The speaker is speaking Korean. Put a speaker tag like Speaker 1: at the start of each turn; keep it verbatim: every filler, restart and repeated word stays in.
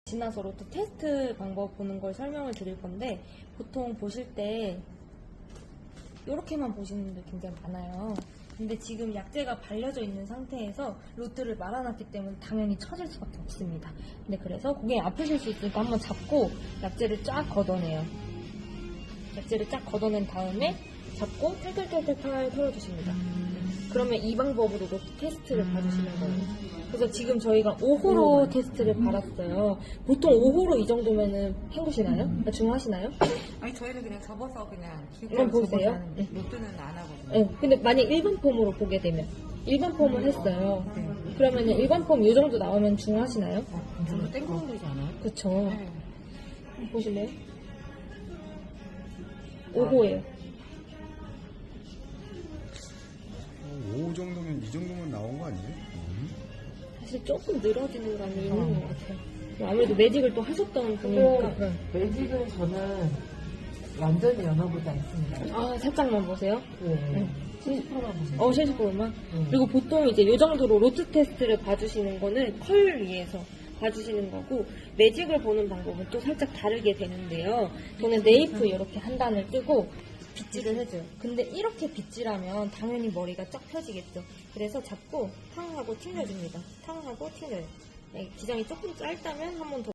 Speaker 1: 지나서 로또 테스트 방법 보는 걸 설명을 드릴 건데, 보통 보실 때 이렇게만 보시는 분들 굉장히 많아요. 근데 지금 약재가 발려져 있는 상태에서 로트를 말아놨기 때문에 당연히 처질 수밖에 없습니다. 근데 그래서 고객이 아프실 수 있으니까 한번 잡고 약재를 쫙 걷어내요. 약재를 쫙 걷어낸 다음에 잡고 털털털털 털어주십니다. 그러면 이 방법으로 로트 테스트를 봐주시는 거예요. 그래서 지금 저희가 오 호로 테스트를 받았어요. 보통 오 호로 이 정도면은 헹구시나요? 중하시나요?
Speaker 2: 아니 저희는 그냥 접어서 그냥
Speaker 1: 한번 보세요.
Speaker 2: 하는데 로또는 안 하거든요.
Speaker 1: 네, 근데 만약 일반 폼으로 보게 되면 일반 폼을 했어요. 그러면 일반 폼 이 정도 나오면 중하시나요?
Speaker 2: 좀 땡그런 되지 않아요?
Speaker 1: 그쵸.
Speaker 2: 네.
Speaker 1: 보실래요? 오 호예요.
Speaker 3: 오 정도면 이 정도면 나온 거 아니에요?
Speaker 1: 사실 조금 늘어지는 감이 있는 것 같아요. 아무래도 매직을 또 하셨던 분이니까.
Speaker 4: 근데 매직은 저는 완전히 연어보지 않습니다.
Speaker 1: 아, 살짝만 보세요.
Speaker 4: 네. 칠십 퍼센트만 보세요.
Speaker 1: 어, 칠십 퍼센트만.
Speaker 4: 음.
Speaker 1: 그리고 보통 이제 이 정도로 로트 테스트를 봐주시는 거는 컬 위에서 봐주시는 거고, 매직을 보는 방법은 또 살짝 다르게 되는데요. 저는 네이프 이렇게 한 단을 뜨고 빗질을 해줘요. 근데 이렇게 빗질하면 당연히 머리가 쫙 펴지겠죠. 그래서 잡고 탕 하고 튕겨줍니다. 탕 하고 튕겨요. 네, 기장이 조금 짧다면 한 번 더